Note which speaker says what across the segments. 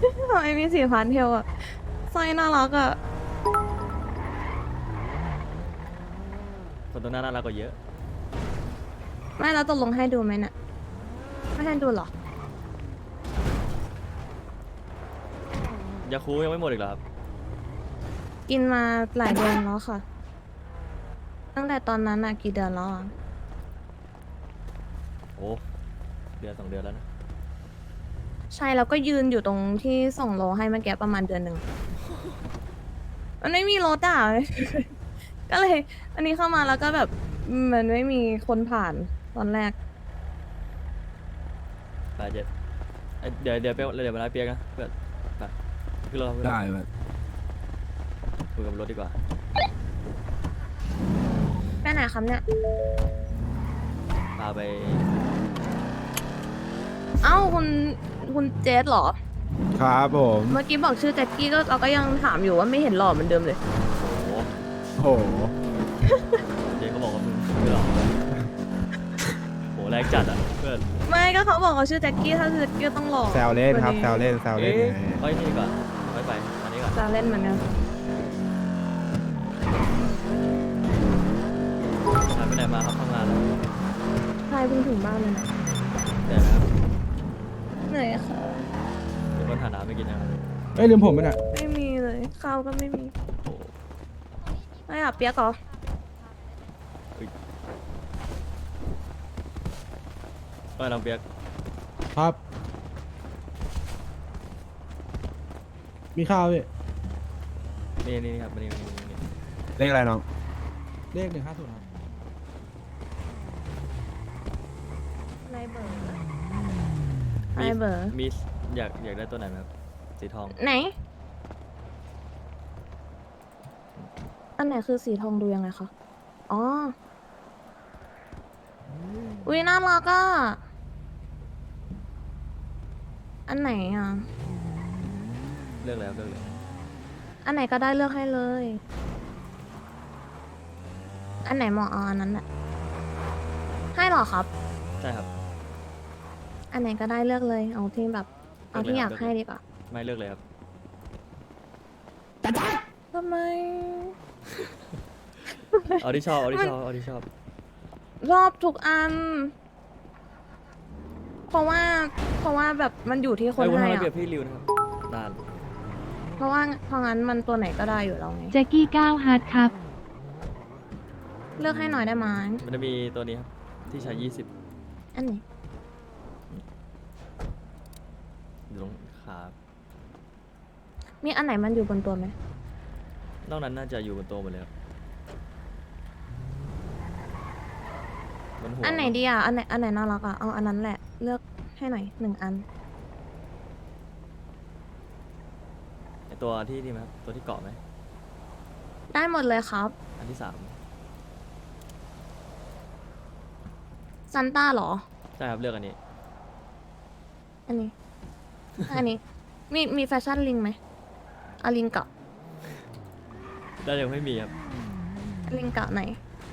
Speaker 1: ทำไมมี4,000เทลอะสร้อยน่ารักอะ
Speaker 2: คนตรงหน้าน่ารักกว่าเยอะ
Speaker 1: ไม่แล้วตกลงให้ดูไหมเนี่ยไม่ให้ดูเหรอ
Speaker 2: ยาคูยังไม่หมดอีกเหรอครับ
Speaker 1: กินมาหลายเดือนแล้วค่ะ ตั้งแต่ตอนนั้นอะกี่เดือนแล้วอะ
Speaker 2: โอ้เดือน2 เดือนแล้วนะ
Speaker 1: ใช่แล้วก็ยืนอยู่ตรงที่ส่งโลให้เมื่อกี้ประมาณเดือนหนึ่งมันไม่มีรถอ่ะ ก็เลย อันนี้เข้ามาแล้วก็แบบมันไม่มีคนผ่านตอนแรก
Speaker 2: ไปเจ็ดเดี๋ยวมาไล่เปียกนะเพื่อนไปขึ้นรถครับขึ้นรถ
Speaker 3: ได้แบบ
Speaker 2: คุยกับรถดีกว่า
Speaker 1: ไปไหนครับเนี่ย
Speaker 2: พาไป
Speaker 1: เอ้าคุณเจสเหรอ
Speaker 3: ครับผม
Speaker 1: เมื่อกี้บอกชื่อแจ็คกี้ก็เราก็ยังถามอยู่ว่าไม่เห็นหล่อเหมือนเดิมเลย
Speaker 2: โอ้โห
Speaker 3: โอ้โห
Speaker 2: เจ๊เขาบอกว่ามึงไม่หรอกโหแรงจัดอ่ะเพื่อน
Speaker 1: ไม่ก็เขาบอกเขาชื่อแจ็คกี้ถ้าชื่อแจ็คกี้ต้องหล่อ
Speaker 3: แซวเล่นครับ
Speaker 1: ก
Speaker 3: แซ
Speaker 1: ว่าว
Speaker 3: เล่นแซวเล่น
Speaker 2: เอ๊ะ
Speaker 3: ไง
Speaker 2: ไปนี่ดีกว่อนไปอันนี้ก่อน
Speaker 1: จะเล่นเหมือนกัน
Speaker 2: หายไปไหนมาครับทำงานแล้ว
Speaker 1: ใช่เพิ่งถึงบ้านเลยนะ
Speaker 2: เหนื่อยไหมครับ
Speaker 1: เหนื่อยค่ะ
Speaker 2: เดี๋ยวคนหาน้ำไปกินนะครับ
Speaker 3: เอ้ยลืมผมไปน่ะ
Speaker 1: ไม่มีเลยข้าวก็ไม่มี
Speaker 2: โอ้โห
Speaker 1: ไม่อยากเปียกเหรอ
Speaker 2: ก็น้องเปียก
Speaker 3: ครับ มีข้าวพี่
Speaker 2: นี่ครับนี่
Speaker 3: เลขอะไรน้อง เลข150ครับ
Speaker 1: ในเบอร์ในเบอร์
Speaker 2: มีอยากได้ตัวไหนไหมครับสีทอง
Speaker 1: ไหน อันไหนคือสีทองดูยังไงคะ อ๋อ อุ้ยน่ารักอ่ะ อันไหนอ่ะ
Speaker 2: เลือกเลยครับเลือกเลย
Speaker 1: อันไหนก็ได้เลือกให้เลย อันไหนเหมาะเอาอันนั้นแหละให้เหรอครับ
Speaker 2: ใช่ครับ
Speaker 1: อันไหนก็ได้เลือกเลย เอาที่แบบ เอาที่
Speaker 2: เลื
Speaker 1: อ
Speaker 2: อกเลยครับ
Speaker 1: ยากให้ดีกว่า
Speaker 2: ไม่เลือกเลยครับ
Speaker 1: ทำไม
Speaker 2: เอาที่ชอบ
Speaker 1: รอบทุกอัน เพราะว่าแบบมันอยู่ที่คน
Speaker 2: เอ้ยคุณ
Speaker 1: ให้
Speaker 2: ทำไม
Speaker 1: อะ
Speaker 2: เปรียบพี่ริวนะครับนาน
Speaker 1: เพราะงั้นมันตัวไหนก็ได้อยู่แล้วไง
Speaker 4: แจ็กกี้9ฮาร์ดครับ
Speaker 1: เลือกให้หน่อยได้ไหม
Speaker 2: มันจะมีตัวนี้ครับที่ใช้20
Speaker 1: อันไหน
Speaker 2: อยู่ตรงขา
Speaker 1: มีอันไหนมันอยู่บนตัวไหม
Speaker 2: นอกนั้นน่าจะอยู่บนโต๊ะหมดเลยครับบนหัว
Speaker 1: อันไหนดีอ่ะ อันไหนน่ารักอ่ะ เอาอันนั้นแหละ เลือกให้หน่อย1 อัน
Speaker 2: ไอตัวที่นี่ไหมครับตัวที่เกาะไหม
Speaker 1: ได้หมดเลยครับ
Speaker 2: อันที่
Speaker 1: ซันต้าเหรอ
Speaker 2: 3ใช่ครับเลือกอันนี้
Speaker 1: อันนี้ อันนี้ มีแฟชั่นลิงไหมเอาลิงเกาะ
Speaker 2: ได้ยังไม่มีครับ
Speaker 1: ลิงเกาะไหน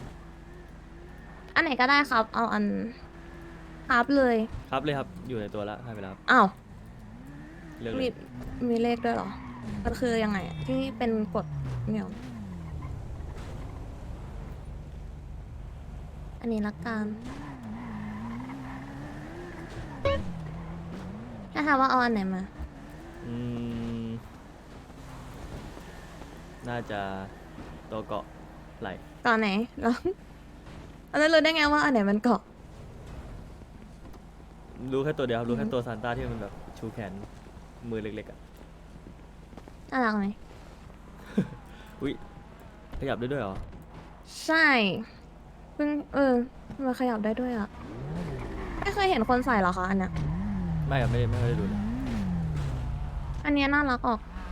Speaker 1: อันไหนก็ได้ครับ เอาอันครับเลย
Speaker 2: ครับเลยครับอยู่ในตัวแล้วให้ไปแล้วครับ
Speaker 1: อ้าว
Speaker 2: เลือกเล
Speaker 1: มี
Speaker 2: ย
Speaker 1: มีเลขด้วยเหรอ มันคือยังไงอะที่เป็นกฎเนี่ยหรออันนี้ละกันถ้าถามว่าเอาอันไหนมา
Speaker 2: อืมน่าจะตัวเกาะไหล
Speaker 1: เกาะไหนแล้วอันนั้นรู้ได้ไงว่าอันไหนมันเกาะ
Speaker 2: รู้แค่ตัวเดียวครับรู้แค่ตัวซานต้าที่มันแบบชูแขนมือเล็กๆอ่ะ
Speaker 1: น่ารักไหม
Speaker 2: อุ้ยขยับได้ด้วยเหรอ
Speaker 1: ใช่เพิ่งมันขยับได้ด้วยอ่ะ ไม่เคยเห็นคนใส่เหรอคะอันเนี้ย
Speaker 2: ไม่ครับไม่ได้ดูเลย
Speaker 1: อันเนี้ยน่ารักออก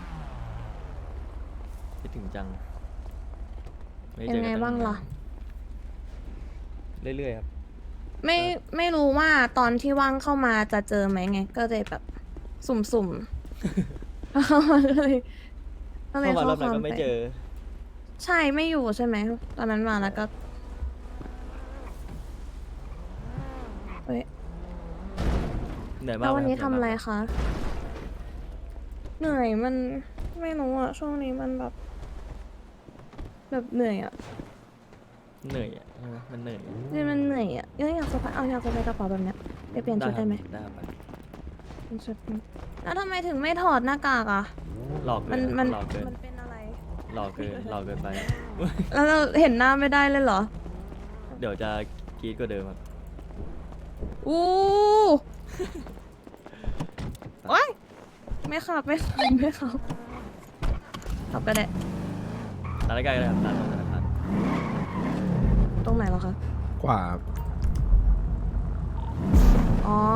Speaker 2: คิดถึงจังม่ด้
Speaker 1: ยั
Speaker 2: เจอง
Speaker 1: ไง
Speaker 2: กัน
Speaker 1: บ้างล่ะ
Speaker 2: เรื่อยๆครับ
Speaker 1: ไม่รู้ว่าตอนที่ว่างเข้ามาจะเจอไหมไง ก็เลยแบบ สุ่มๆ เข้ามาก็เลย
Speaker 2: เข้ามารอบ
Speaker 1: ค
Speaker 2: นั้น
Speaker 1: วาม
Speaker 2: ก็ไม่
Speaker 1: ไป
Speaker 2: เจอ
Speaker 1: ใช่ไม่อยู่ใช่ไหมตอนนั้นมาแล้วก็เฮ้ย
Speaker 2: เหนื่อยมา
Speaker 1: แล้
Speaker 2: ก
Speaker 1: ววันนี้
Speaker 2: คบ
Speaker 1: ทำอะไรคะเหนื่อยมันไม่รู้อะช่วงนี้มันแบบเหนื่อยอะ
Speaker 2: เหนื่อยอ่ะใช่ไหมมันเหนื่อย
Speaker 1: นี่มันเหนื่อยอะยังอยากจะไปเอาอยากจะไปกระเป๋าแบบเนี้ยไปเปลี่ยนชุดได้ไหม
Speaker 2: ได้ครับ
Speaker 1: เปลี่ยนชุดแล้วทำไมถึงไม่ถอดหน้ากากอะ
Speaker 2: หลอกเกิ
Speaker 1: มัน
Speaker 2: น
Speaker 1: มัน
Speaker 2: หลอกเกิน
Speaker 1: มันเป็นอะไร
Speaker 2: หลอกเกินหลอกเกินไป
Speaker 1: แล้วเราเห็นหน้าไม่ได้เลยเหรอ
Speaker 2: เดี๋ยวจะกรีดกว่าเดิมครับ
Speaker 1: อู้โอ๊ยไม่ขับไม่ขับไม่ขับขับก็ได้
Speaker 2: ร้านใกล้ๆเลยครับร้านธนาคาร
Speaker 1: ตรงไหนเหรอคะ
Speaker 3: ขวา
Speaker 1: อ๋อ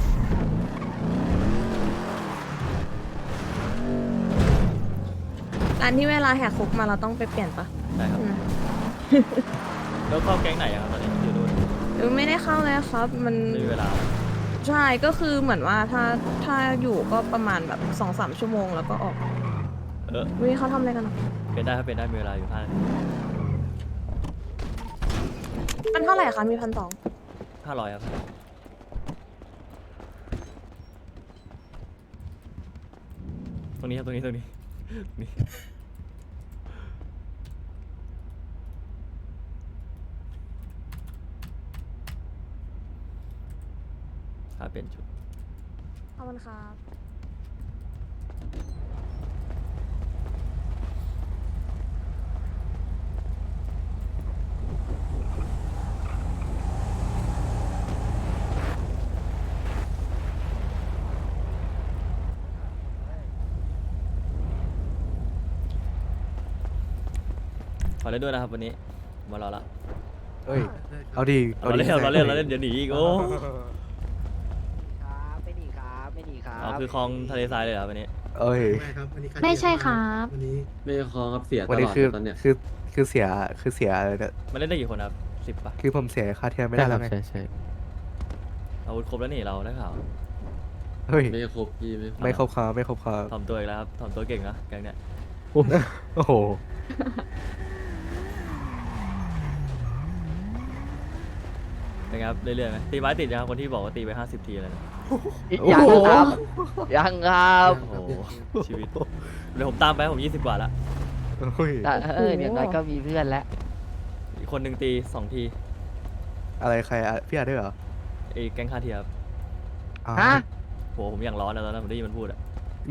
Speaker 1: ร้านที่เวลาแหกคุกมาเราต้องไปเปลี่ยนปะ
Speaker 2: ใช่ครับ
Speaker 1: อืม
Speaker 2: แล้วเข้าแก๊งไหนอะครับตอนนี้อยู่นู่น
Speaker 1: ไม่ได้เข้าเลยครับ มัน
Speaker 2: ไม่มีเวลา
Speaker 1: ใช่ก็คือเหมือนว่าถ้าอยู่ก็ประมาณแบบ2-3 ชั่วโมงแล้วก็ออก วิเขาทำอะไรกันอ่ะ
Speaker 2: เป็นได้ครับเป็นได้มีเวลาอยู่5 นาที
Speaker 1: มันเท่าไหร่คะมี1,200
Speaker 2: 500ครับตรงนี้ครับตรงนี้นี่ค่าเปลี่ยนชุด
Speaker 1: ขอบคุณครับ
Speaker 2: ขอเล่นด้วยนะครับวันนี้มารอละ
Speaker 3: เฮ้ย เอาดี
Speaker 2: เราเล่นเดี๋ยวหนีอีกโอ้
Speaker 4: ครับไม่หนีครับไม่หนีครับ
Speaker 2: เอาคือคลองทะเลทรายเลยเหรอวันนี้
Speaker 3: เอ้ย
Speaker 5: ไม่ครับวันนี้
Speaker 6: ไม่ใช่ครับ
Speaker 5: วันนี้
Speaker 7: ไม่คอครับเสียต
Speaker 3: วัน
Speaker 7: ล
Speaker 3: นี้
Speaker 7: อด
Speaker 3: คือ
Speaker 7: ตอนเนี้ย
Speaker 3: คือเสียเนี่ย
Speaker 2: มันเล่นได้กี่คนครับ10ปะ
Speaker 3: คือผมเสียค่าเทียมไม่ได้แล้วไง
Speaker 7: ใช่
Speaker 2: อาวุธครบแล้วนี่เราได้ข่าว
Speaker 3: เฮ้ย
Speaker 7: ไม่ครบพี่ไม่
Speaker 3: ไม่ครบครับไม่ครบครับ
Speaker 2: ถ่อมตัวอีกแล้วครับถ่อมตัวเก่งนะแกงเนี้ย
Speaker 3: โอ้โห
Speaker 2: เป็นไงครับเรื่อยๆไหมตีไม้ติดยังครับคนที่บอกว่าตีไป50 ทีอะไรนะ
Speaker 4: ยังครับยังครับ
Speaker 2: โอ้โหชีวิตเดี๋ยวผมตามไปผม20 กว่าละ
Speaker 3: เฮ้ย
Speaker 4: แต่อย่างน้อยก็มีเพื่อนแล้ว
Speaker 2: อีกคนหนึ่งตี2 ที
Speaker 3: อะไรใครอะพี่อาร์ด้วยเหรอ
Speaker 2: ไอ้แก๊งคาเทียครับ
Speaker 3: อ่า
Speaker 4: ฮะ
Speaker 2: โหผมอย่างร้อนนะตอนนั้นผมได้ยินมันพูดอะ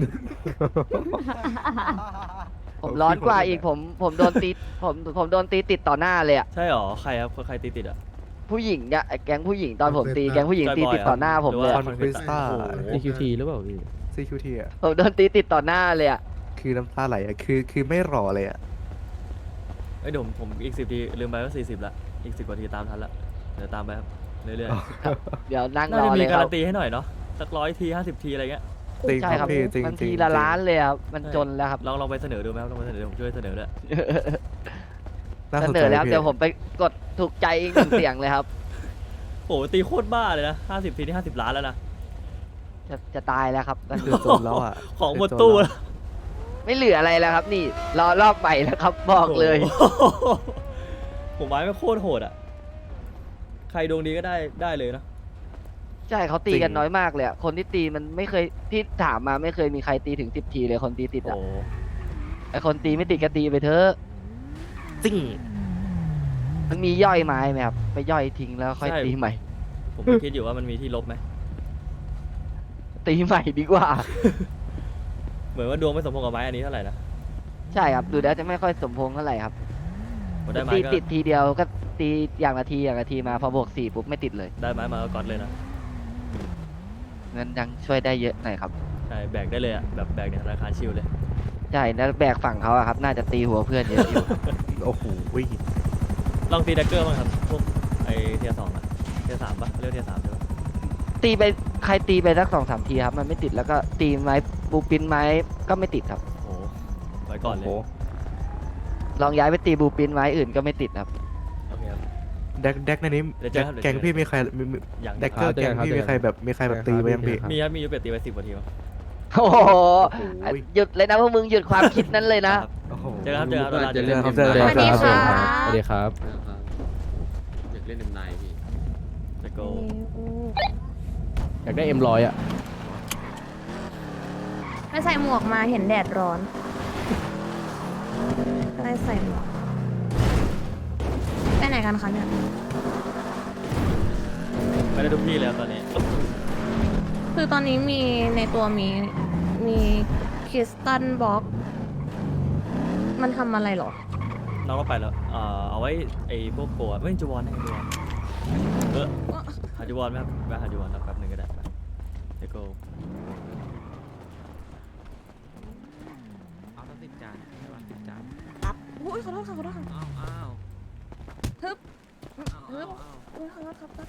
Speaker 4: ผมร้อนกว่าอีกผมโดนตีผมโดนตีติดต่อหน้าเลยอะ
Speaker 2: ใช่หรอใครครับใครตีติดอะ
Speaker 4: ผู้หญิงเนี่ยไอ้แก๊งผู้หญิงตอนผมตีแก๊งผู้หญิงตีติดต่อหน้าผมเลย
Speaker 2: ห
Speaker 3: ค
Speaker 2: รื
Speaker 3: อน
Speaker 2: ว่า
Speaker 3: ควิสต้า
Speaker 2: โอ้โห
Speaker 7: CQT หรือเปล่าพี่
Speaker 3: CQT อ่ะ
Speaker 4: ผมโดนตีติดต่อหน้าเลยอะ
Speaker 3: คือน้ำตาไหลอ่ะคือไม่รอเลยอ่ะ
Speaker 2: เอ้ยเดี๋ยวผมอีก10 ทีลืมไปว่า40ละอีก10 กว่าทีตามทันละเดี๋ยวตามไปครับเรื่อย
Speaker 4: เดี๋ยวนั่ง
Speaker 2: ๆน่าร
Speaker 4: อ
Speaker 2: จะ
Speaker 4: เล
Speaker 2: มี
Speaker 4: ยค
Speaker 2: การั
Speaker 4: รับ
Speaker 2: นตีให้หน่อยเนาะสัก100 ที 50 ทีอะไรเงี้ย
Speaker 3: จริง
Speaker 4: ใช่
Speaker 3: ค
Speaker 4: ค
Speaker 3: รั
Speaker 4: รั
Speaker 3: บบ พี่จริง
Speaker 4: มัน
Speaker 3: จริ
Speaker 4: ที
Speaker 3: ง
Speaker 4: ละล้านเลยครับมันจนแล้วครับ
Speaker 2: ลองไปเสนอดูไหมครับลองไปเสนอดูผมช่วยเสนอด้วย
Speaker 3: น่า
Speaker 4: เส
Speaker 3: สน
Speaker 4: น
Speaker 3: ใจ
Speaker 4: อแล้ว
Speaker 3: พี่
Speaker 4: เดี๋ยวผมไปกดถูกใจอีกหนึ่งเสียงเลยครับ
Speaker 2: โอ้โหตีโคตรบ้าเลยนะ50 ทีนี่50 ล้านแล้วนะ
Speaker 4: จะตายแล้วครับ
Speaker 3: คือจนแล้วอ่ะ
Speaker 2: ของหมดตู้แล้ว
Speaker 4: ไม่เหลืออะไรแล้วครับ นี่รอรอบใหม่แล้วครับบอกเลย
Speaker 2: โอ้โหผมไม้ไม่โคตรโหดอ่ะ ใครดวงดีก็ได้เลยนะ
Speaker 4: ใช่เขาตี
Speaker 3: จริง
Speaker 4: กันน้อยมากเลยอะคนที่ตีมันไม่เคยที่ถามมาไม่เคยมีใครตีถึง10 ทีเลยคนตีติด
Speaker 2: โอ้
Speaker 4: อ่ะ
Speaker 2: โห
Speaker 4: ไอคนตีไม่ติดก็ตีไปเถอะ
Speaker 3: จริง
Speaker 4: มันมีย่อยไม้ไหมครับไปย่อยทิ้งแล้วค่อยตีใหม่
Speaker 2: ผมก็คิดอยู่ว่ามันมีที่ลบไหม
Speaker 4: ตีใหม่ดีกว่า
Speaker 2: เหมือนว่าดวงไม่สมพงษ์กับไม้อันนี้เท่าไหร่นะ
Speaker 4: ใช่ครับดูแล้วจะไม่ค่อยสมพงษ์เท่าไหร่ครับ
Speaker 2: ผมได้ไม้
Speaker 4: ตี
Speaker 2: ก็
Speaker 4: ติดทีเดียวก็ตีอย่างละทีมาพอบวก4ปุ๊บไม่ติดเลย
Speaker 2: ได้ไม้มาก็ก๊อตเลยนะ
Speaker 4: เงินยังช่วยได้เยอะหน่อยครับ
Speaker 2: ใช่แบกได้เลยอ่ะแบบแบกในธนาคารชิลเลย
Speaker 4: ใช่แล้วแบกฝั่งเขาอะครับ น่าจะตีหัวเพื่อนเยอะอยู่
Speaker 3: โอ้โห
Speaker 2: ลองตีแดกเกอร์บ้างครับพวกไอเทียร์2อ่ะเทียร์3ปะเรียกเทียร์3ใช่ปะ
Speaker 4: ตีไปใครตีไปสัก2-3 ทีครับมันไม่ติดแล้วก็ตีไม้บูปินไม้ก็ไม่ติดครับ
Speaker 2: โอ้โหไว้ก่อนเลย
Speaker 3: โอ้โห
Speaker 4: ลองย้ายไปตีบูปินไม้อื่นก็ไม่ติดครับ
Speaker 2: โอเคครับ
Speaker 3: แดกในนี้
Speaker 2: เดี๋ยวเจอครับเดี๋ยวเจอ
Speaker 3: แกงพี่มีใคร
Speaker 2: อย่าง
Speaker 3: แดกเกอร์แกงพี่มีใครแบบตีไปยังพี่
Speaker 2: มีครับมียูเป็ดตีไป10 กว่าทีมั้ง
Speaker 4: โอ้โห
Speaker 3: โอ้โห
Speaker 4: หยุดเลยนะพวกมึงหยุดความคิดนั้นเลยนะ
Speaker 2: ครับ
Speaker 3: โอ้โห
Speaker 2: เจอครับเจอครับ
Speaker 7: รู้ว่าจะเล่น
Speaker 3: เจอครับ
Speaker 7: เอ็ม
Speaker 1: สวัสดี
Speaker 7: ไน
Speaker 1: ค่ะ
Speaker 7: สวัสดีครับอยากเล่นเอ็มไนพี่
Speaker 2: จะโก
Speaker 7: อยากได้M100อ่ะ
Speaker 1: ไปใส่หมวกมาเห็นแดดร้อนก็เลยใส่หมวกไปไหนกันคะเนี่ย
Speaker 2: ไม่ได้ทุกที่แล้วตอนนี้
Speaker 1: คือตอนนี้มีในตัวมีคริสตัลบล็อกมันทำอะไรเหรอ
Speaker 2: น้องก็ไปแล้วเอาไว้ไอ้พวกโกะไม่จูวอนให้จูวอนหาจูวอนไหมครับไปหาจูวอนแป๊บนึงก็ได้ไปเดี๋ยวก็
Speaker 4: เอาสัก10 จานใช่ป่ะ10 จาน
Speaker 1: อุ้ยขอโทษค่ะขอโทษค่ะ
Speaker 4: อ้าว
Speaker 1: ฮึบ
Speaker 4: อ้าว
Speaker 1: ฮึบ
Speaker 4: อ้าว
Speaker 1: อุ้ยขอโทษครับ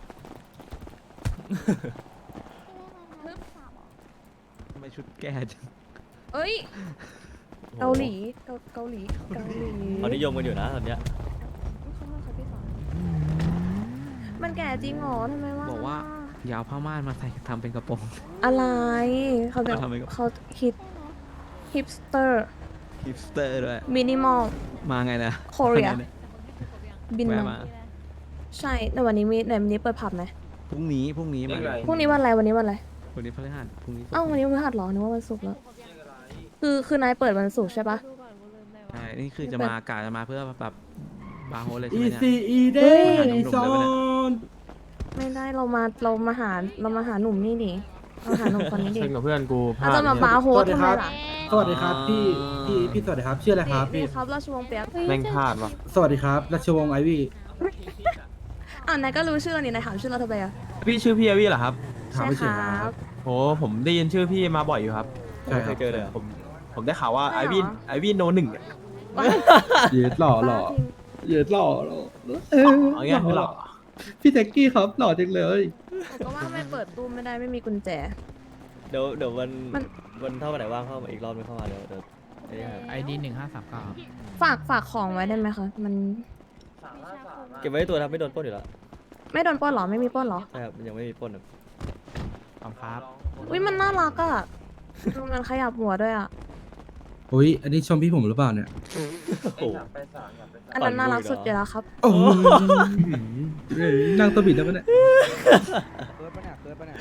Speaker 1: ฮึบ
Speaker 4: ทำไมชุดแก่จัง
Speaker 1: เอ้ยเกาหลีเกาหลี
Speaker 2: เขานิยมกันอยู่นะตอนเนี้ย
Speaker 1: ขอโทษค่ะพี่สอนมันแก่จริงเหรอทำไมว่า
Speaker 4: บอกว่ายาวผ้าม่านมาใส่ทำเป็นกระโปรง
Speaker 1: อะไรเขาแบบ
Speaker 4: ทำไมก็
Speaker 1: เขาฮิปสเตอร์
Speaker 4: ฮิปสเตอร์ด้วย
Speaker 1: มินิมอล
Speaker 4: มาไงนะ
Speaker 1: โคเรีย
Speaker 4: มาไงนะ
Speaker 1: บิน
Speaker 4: แวะ
Speaker 1: มา
Speaker 4: มา
Speaker 1: ใช่ในวันนี้วันนี้เปิดผับไหม
Speaker 4: พรุ่งนี้มา
Speaker 1: พรุ่งนี้วันอะไรวันนี้วันอะไร
Speaker 4: วันนี้พฤหัสพรุ่งนี้ศุกร์
Speaker 1: เอ้าวันนี้วันพฤหัสเหรอนึกว่าวันศุกร์แล้วคือนายเปิดวันศุกร์ใช่ปะ
Speaker 4: ใช่นี่คือจะมากะจะมาเพื่อแบบบาร์โฮสเลยใช่
Speaker 3: อี
Speaker 4: ไหมเนี่ย
Speaker 3: ซีอีเด้
Speaker 4: เฮ้ย
Speaker 3: อีซอน
Speaker 1: ไม่ได้เรามาหาหนุ่มนี่ดิเราหาหนุ่มคนนี้ดิ
Speaker 5: เช่นกับเพื่อนกูพ
Speaker 1: เรา
Speaker 5: ลาด
Speaker 1: จะมาบาร์โฮสทำไมล่ะ
Speaker 3: สวัสดีครับพี่สวัสดีครับชื่ออะไรครับ
Speaker 1: นี่
Speaker 3: พี่
Speaker 1: ครับราชวงศ์เปียก
Speaker 5: แม่งพลาดว่ะ
Speaker 3: สวัสดีครับราชวงศ์ไอวี่
Speaker 1: นายก็รู้ชื่อเรานี่นายถามชื่อเราทำไมอ่ะ
Speaker 5: พี่ชื่อพี่อาวี่เหรอครับ
Speaker 3: ถาม
Speaker 1: ใช่
Speaker 3: ไม่
Speaker 1: ค
Speaker 3: เฉย
Speaker 1: รั
Speaker 3: ครับ บ
Speaker 5: โหผมได้ยินชื่อพี่มาบ่อยอยู่ครับ
Speaker 3: ใช่ค
Speaker 2: เค
Speaker 3: รับ
Speaker 2: ยเจอเลยเหรอ
Speaker 5: ผมได้ข่าวว่า
Speaker 1: ใช่
Speaker 5: ไอ
Speaker 1: เหรอ
Speaker 5: วี่ไอวี่โนหนึ่งอะ
Speaker 3: เย็ดหล่อหล่อ
Speaker 1: บ้าจริง
Speaker 3: เย็ดหล่อหล่อ
Speaker 5: เอางี้ไม่หรอก
Speaker 3: พี่แจ็คกี้ครับหล่อจังเลย
Speaker 1: ผมก็ว่าไม่เปิดตู้ไม่ได้ไม่มีกุญแจ
Speaker 2: เดี๋ยววัน
Speaker 1: มัน
Speaker 2: วันเท่าไหร่ว่างเข้ามาอีกรอบนึงเข้ามาเดี๋ยวไอ้นี่ครับ
Speaker 6: ไอดี1539
Speaker 1: ฝากของไว้ได้ไหมคะมัน
Speaker 2: เก็บไว้ในตัวครับไม่โดนปล้นอยู่แล้ว
Speaker 1: ไม่โดนปล้นเหรอไม่มีปล้นเหรอ
Speaker 2: ใช่ครับยังไม่มีปล้นครับ
Speaker 6: ขอบครับ
Speaker 1: อุ้ยมันน่ารักอ่ะมันขยับหัวด้วยอ่ะ
Speaker 3: อุ้ยอันนี้ชมพี่ผมหรือเปล่าเนี่ย
Speaker 2: โอ้โห
Speaker 1: อันนั้นน่ารักสุดอยู่แล้วครับ
Speaker 3: โอ้ยนั่งตัวบิดแล้วปะเนี่ย
Speaker 4: เกิดปะเนี่ย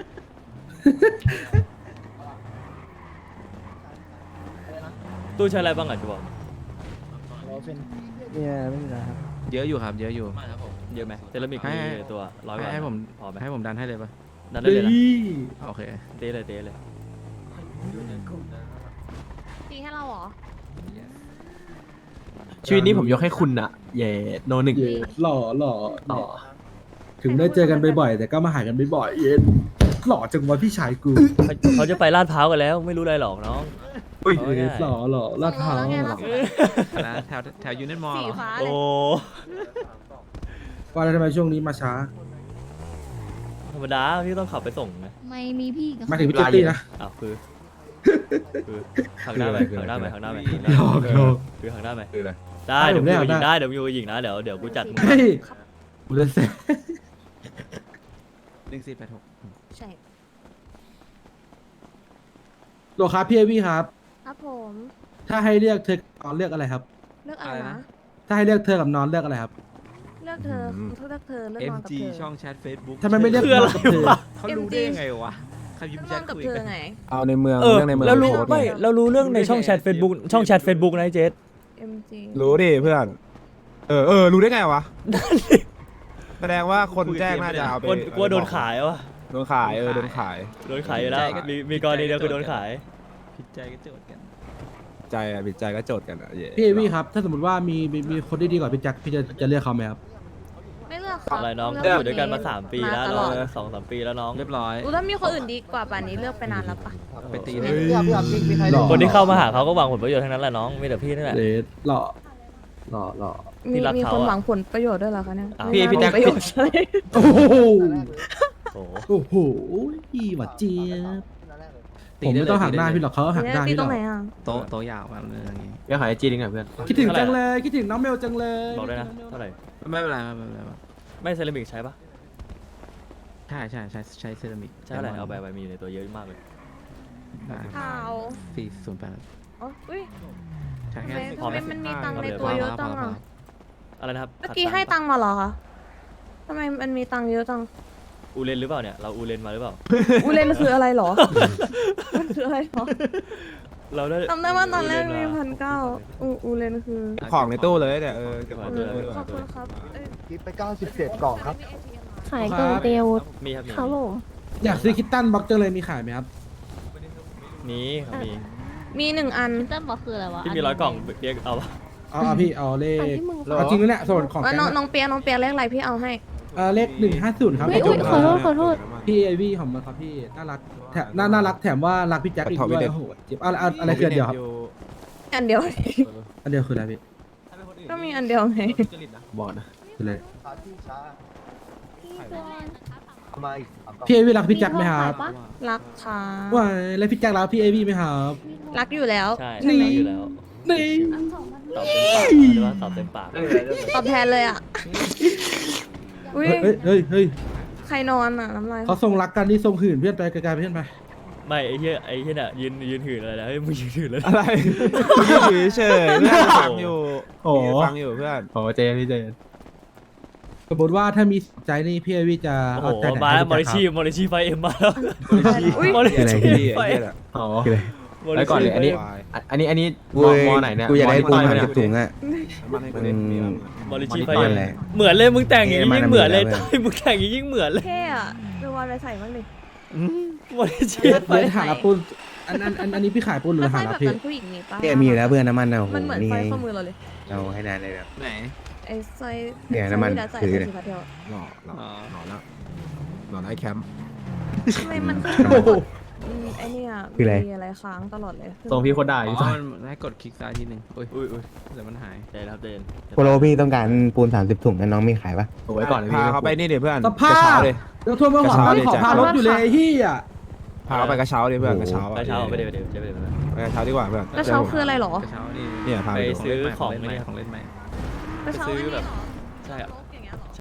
Speaker 2: ตู้ใช้อะไรบ้างอ่ะจะบอก
Speaker 4: เนี่ยไม่มีแล้วครับเยอะอยู่ครับเยอะอยู่
Speaker 2: เยอะไหมเซรามิก
Speaker 4: ให้
Speaker 2: มีในตัว100 กว่า
Speaker 4: ให้ผม
Speaker 2: พอไหม
Speaker 4: ให้ผมดันให้เลยปะ
Speaker 2: นั่นได้เลยนะ
Speaker 4: โอเค
Speaker 2: เตะเลยเตะเลย
Speaker 1: ตีให้เราเหรอ
Speaker 5: ชีวิตนี้ผมยกให้คุณอะเย่โนหนึ่ง
Speaker 3: เย็ดหล่อหล่อ
Speaker 5: ต่อ
Speaker 3: ถึงได้เจอกันบ่อยๆแต่ก็มาหากันบ่อยๆเย็ดหล่อจังวะพี่ชายกู
Speaker 2: เขาจะไปลาดพร้าวกันแล้วไม่รู้อะไรหรอกน้อง
Speaker 5: อุ้ย
Speaker 2: เอาง่าย
Speaker 3: หล่อหล่อลาดพร้าว
Speaker 1: ส่งเราแล้วไง
Speaker 3: ห
Speaker 1: ล่ะ
Speaker 3: ล่อ
Speaker 4: นะแถวยูเนตมอล
Speaker 1: สีฟ้าเล
Speaker 2: โอ้
Speaker 1: ย
Speaker 3: ว่าแล้วทำไมช่วงนี้มาช้า
Speaker 2: ธรรมดาพี่ต้องขับไปส่งนะ
Speaker 8: ไม่มีพี่กับ
Speaker 3: มาถึงพี่เจตตี้นะ
Speaker 2: อ้าวคือหักหน้าไปหักหน้าไปหักหน้าไป
Speaker 3: หยอกหยอก
Speaker 2: คือหักหน้าไป
Speaker 3: คืออะไร
Speaker 2: ได้
Speaker 3: ได้
Speaker 2: เดี๋ยว
Speaker 3: ผม
Speaker 2: มึง
Speaker 3: ได้
Speaker 2: อยู่ยิงได้เดี๋ยวมึงอยู่ยิงนะเดี๋ยวกูจัดมึง
Speaker 3: เฮ้ยกูเลยเซ่
Speaker 4: 1486
Speaker 1: ใช่
Speaker 3: โลครับพี่เอวี่ครับ
Speaker 1: ครับผม
Speaker 3: ถ้าให้เลือกเธอกับนอนเลือกอะไรครับ
Speaker 1: เลือกอะไรนะ
Speaker 3: ถ้าให้เลือกเธอกับนอนเลือกอะไรครับ
Speaker 1: เลือกเธอเลือกเธอเลือกนอนกับ
Speaker 4: MG
Speaker 1: เธอ
Speaker 4: ช่องแชท Facebook
Speaker 3: ทำไมไม่เลือก
Speaker 2: คืออะไร
Speaker 3: นอนกับเธอ
Speaker 2: วะ
Speaker 4: เขารู้ได้ยังไงวะใครพิม
Speaker 1: เลือก
Speaker 4: พ์
Speaker 1: น
Speaker 4: แช
Speaker 1: อนกับ
Speaker 4: ทคุย
Speaker 1: เธอ
Speaker 4: กัน
Speaker 1: ไง
Speaker 3: เอาในเมือง
Speaker 2: เออ
Speaker 3: เรื่องในเมือง
Speaker 2: แล้วรู้
Speaker 3: โพสต์
Speaker 2: ไม่
Speaker 3: เนี่ย
Speaker 2: เรารู้เรื่องในช่องแชท Facebook ช่องแชท Facebook นะไอ้เจส
Speaker 1: MG
Speaker 3: รู้ดิเพื่อน รู้ได้ไงวะ แสดงว่าคนแจ้งน่าจะเอาไป
Speaker 2: กลัวโดนขายวะ
Speaker 3: โดนขายโดนขาย
Speaker 2: โดนขายอยู่แล้วมีกรณีเดียวคือโดนขาย
Speaker 4: ผิดใจก็โจทย์กัน
Speaker 3: ใจอ่ะบิดใจก็โจทย์กันอ่ะพี่เอวี่ครับ ถ้าสมมติว่ามีคนที่ดีกว่าพี่แจ็คพี่จะเลือกเขาไหมครับ
Speaker 1: ไม่เลือกครับ
Speaker 2: อะไรน้อง
Speaker 1: เลื
Speaker 2: อยู่ด้วยกันมา3 ปีแล้ว
Speaker 1: ต
Speaker 2: น้
Speaker 1: ล
Speaker 2: อ
Speaker 1: อง ด
Speaker 2: 2-3 ปีแล้วน้อง
Speaker 4: เรียบร้อย
Speaker 1: ถ้ามีคนอื่นดีกว่าป่านนี้เลือกไปนานแล้วปะ
Speaker 4: ไปตี
Speaker 3: เฮ้
Speaker 4: เลย
Speaker 3: ยหล่อ
Speaker 2: คนที่เข้ามาหาเขาก็หวังผลประโยชน์ทั้งนั้นแหละน้องมีแต่พี่นี่แหละ
Speaker 3: เลสหล่อหล่อ
Speaker 2: ที่รัก
Speaker 1: มี
Speaker 2: เขา
Speaker 1: คน
Speaker 2: อะ
Speaker 1: หวังผลประโยชน์ด้วยเหรอคะเนี่ย
Speaker 2: อ้าว
Speaker 1: ไม่น่า
Speaker 5: พี่แจ็ค
Speaker 1: มีประโยชน์ใช่
Speaker 3: โอ้โห
Speaker 2: โอ้โห
Speaker 3: โอ้โหอีหวัดเจี๊ยบผมไม่ต้องหักหน้าพี่หรอกเขาหักหน้า
Speaker 1: ตี
Speaker 3: พี่
Speaker 1: ต
Speaker 3: ห
Speaker 1: ร
Speaker 3: รง อก
Speaker 1: ไหนอ่ะ
Speaker 4: โตะยาวแบบนี้อย่างงี้
Speaker 5: เดี๋ยวหายจีนหน่อยเพื่อน
Speaker 3: คิดถึงจังเลยคิดถึงน้องเมลจังเลย
Speaker 2: บอกด้วยนะเท่าไหร่
Speaker 4: ไม่เป็นไรไม่เป็นไร
Speaker 2: ไม่เซรามิกใช้ปะ
Speaker 4: ใช้เซรามิก
Speaker 2: ใช้อะไรเอาไปมีอยู่ในตัวเยอะมากเลย
Speaker 1: ข่าว
Speaker 4: 408
Speaker 1: อ๋ออุ้ย
Speaker 4: ใช่
Speaker 1: ทำ
Speaker 4: แค่
Speaker 1: ไมทำไมมันมีตังค์ในตัวเยอะจังอ่ะ
Speaker 2: อะไรนะครับ
Speaker 1: เมื่อกี้ให้ตังค์มาเหรอคะทำไมมันมีตังค์เยอะจัง
Speaker 2: อูเลนหรือเปล่าเนี่ยเราอูเลนมาหรือเปล่า
Speaker 1: อูเลนคืออะไรเหรอ มันคืออะไรเหรอ
Speaker 2: เราได้
Speaker 1: จำได้ว่าตอนแรกมี
Speaker 2: อูเลนมา
Speaker 1: 1,900อูเลนคือ
Speaker 3: ของในตู้เลยเนี่ยเก็บ
Speaker 2: ข
Speaker 3: ข
Speaker 2: อ
Speaker 3: อง
Speaker 2: ง
Speaker 3: ใน
Speaker 2: ในตู้
Speaker 3: ตู้
Speaker 1: ขอบคุณครับเอ้ย
Speaker 8: คิดไป 97 กล่องครับ
Speaker 9: ขายกล่องเตียว
Speaker 2: มีครับมี
Speaker 9: ครับผม
Speaker 3: อยากซื้อคิตตันบ็อกจังเลยมีขายไหมครับ
Speaker 2: มีครับมี
Speaker 1: มี1 อัน
Speaker 9: เต้นบอกคืออะไรวะ
Speaker 2: ที่มี100 กล่องเรียกเอาปะ
Speaker 3: เอาพี่เอาเล
Speaker 9: อัน
Speaker 3: ข
Speaker 9: ที่มึง
Speaker 3: เอาจริงแล้วเนี่ยส่วนของ
Speaker 1: ว่า
Speaker 3: แก๊ง
Speaker 1: น้องเปียเลขอะไรพี่เอาให้
Speaker 3: เลข150ครับ
Speaker 9: อุ๊ยอุ๊ยขอโทษขอโทษ
Speaker 3: พี่ไอวี่ของมันครับพี่น่ารักแถมน่ารักแถมว่ารักพี่แจ็คอีกด้วยโอ้โหเจ็บอะไรคืออันเดียวครับ
Speaker 1: อันเดียว
Speaker 3: อันเดียวคืออะไรพี่
Speaker 1: ก็มีอันเดียวไง
Speaker 5: บอกนะ
Speaker 3: คืออะไร
Speaker 8: ที่ช้าเอามาอีก3กล่อง
Speaker 3: พี่ไอวี่รักพี่แจ็คไหมครับ
Speaker 1: รักค่ะ
Speaker 3: ว้ายแล้วพี่แจ็ครักพี่ไอวี่ไหมครับ
Speaker 1: รักอยู่แล้ว
Speaker 2: ใช่
Speaker 3: นี่
Speaker 2: ใช่อยู่แล้ว
Speaker 3: นี่
Speaker 2: ตอบเต็มปากหรือว่าตอบเต็มปาก
Speaker 1: ตอบแทนเลยอ่ะ อุ้ย
Speaker 3: เฮ้ย
Speaker 1: ใครนอนอ่ะน้ำลาย
Speaker 3: เขาทรงรักกันนี่ทรงหื่นเพื่อนไปไกลๆเพื่อนไป
Speaker 2: ไม่ไอ้เหี้ยน่ะยืนหื่นอะไรนะเฮ้ยมึงยืนหื่นเลย
Speaker 3: อะไรยืนเฉยเพื่อนฟังอยู่
Speaker 5: โอ้
Speaker 3: ฟังอยู่เพื่อน
Speaker 5: โหเจพี่เจน
Speaker 3: สมมติว่าถ้ามีใจนี่พี่ไอวี่จะ
Speaker 2: โอ้โห
Speaker 3: เอาใจไหน
Speaker 2: มาแล้วมอ
Speaker 3: ให้
Speaker 2: ริ
Speaker 3: พี่แจ็ค
Speaker 2: ชีมอริชีไฟเอ็มมาแล้ว
Speaker 1: อุ้ย
Speaker 2: มอริ
Speaker 3: อะไร
Speaker 2: ชี
Speaker 3: พี่
Speaker 2: ไฟ
Speaker 3: ไอ้
Speaker 2: เอ็
Speaker 3: เหี้
Speaker 2: ม
Speaker 3: ย
Speaker 5: อ๋อ
Speaker 3: คืออะไร
Speaker 5: แล้วก่อนเลยอันนี้มอไหนเนี่ย
Speaker 8: กูอยากได้ปูน
Speaker 5: ม
Speaker 8: 30 ถุงอ่ะ
Speaker 2: มอริชีไฟ
Speaker 8: มัน
Speaker 2: เอ็ม
Speaker 8: อะไร
Speaker 2: เหมือนเลยมึงแต่งอย่างนี้ยิ่งเหมือนเลย
Speaker 8: มัน
Speaker 2: มึงแต่งอย่างนี้ยิ่งเหมือนเลย
Speaker 1: เท่อะเดี๋ยววันไปใส่บ้างดิ
Speaker 2: มอริชี
Speaker 3: เดี๋ยวหาละปูนอันนี้พี่ขายปูนหรือ
Speaker 1: ถ้า
Speaker 3: หา
Speaker 1: ใส่
Speaker 3: ละ
Speaker 1: แบบ
Speaker 3: พี่
Speaker 1: นั้นผู้หญิงมีปะ
Speaker 8: เนี่ยมีอยู่แล้วเพื่อนน้ำมันนะโอ้โห
Speaker 1: มันเหมือน
Speaker 8: นี่
Speaker 1: ไฟ
Speaker 8: ไง
Speaker 1: ข้อมือเราเลย
Speaker 8: เอาให้นานเลยแบบ
Speaker 5: ไหน
Speaker 1: ไอ้สร้อย
Speaker 8: เนี่ยน้ำมัน
Speaker 1: ใส่
Speaker 8: ถือ
Speaker 1: ใส่
Speaker 8: เนี่ย
Speaker 1: สีพาเทล
Speaker 3: หล่อไอ้แคมป์
Speaker 1: ทำไมมัน
Speaker 3: โอ้โห
Speaker 1: ไอ้เนี่ย
Speaker 8: คืออะไร
Speaker 1: มีอะไรค้างตลอดเลย
Speaker 5: ทรงพี่โคตรได้
Speaker 6: อ๋
Speaker 5: พี่
Speaker 6: อ
Speaker 5: ฟ้า
Speaker 6: มันให้กดคลิกซ้ายทีหนึ่งอุ้ย
Speaker 2: อุ้ย
Speaker 6: เดี๋ยวมันหาย
Speaker 2: เดนครับเดน
Speaker 8: โปโลพี่ต้องการปูน 30 ถุงนะน้องมีขายปะ
Speaker 5: โอ้ยก่อนเลย
Speaker 3: พา
Speaker 5: พี่
Speaker 3: เขาไปนี่เดี๋ยวเพื่อนสภาพแล้วทวนมาหวังไม่ขอพารถอยู่เลยเฮียพาเขาไปกระเช้าดิเพื่อนกระเช้าก
Speaker 2: ระเช้าไปเดี๋ยวจะไป
Speaker 3: ไปกระเช้าดีกว่าเพื่อน
Speaker 1: กระเช้าคืออะไรหรอ
Speaker 6: กระเช้านี่
Speaker 3: เนี่ยพา
Speaker 2: ไป
Speaker 3: ไปดู
Speaker 2: ซื้อของ
Speaker 6: เล่นใหม่
Speaker 2: เนี่ย
Speaker 6: ของเล่นใหม่
Speaker 1: กระเช้า
Speaker 2: ซื้อ
Speaker 1: อันนี้
Speaker 2: แบบ
Speaker 1: เหรอ
Speaker 2: ใช่อะ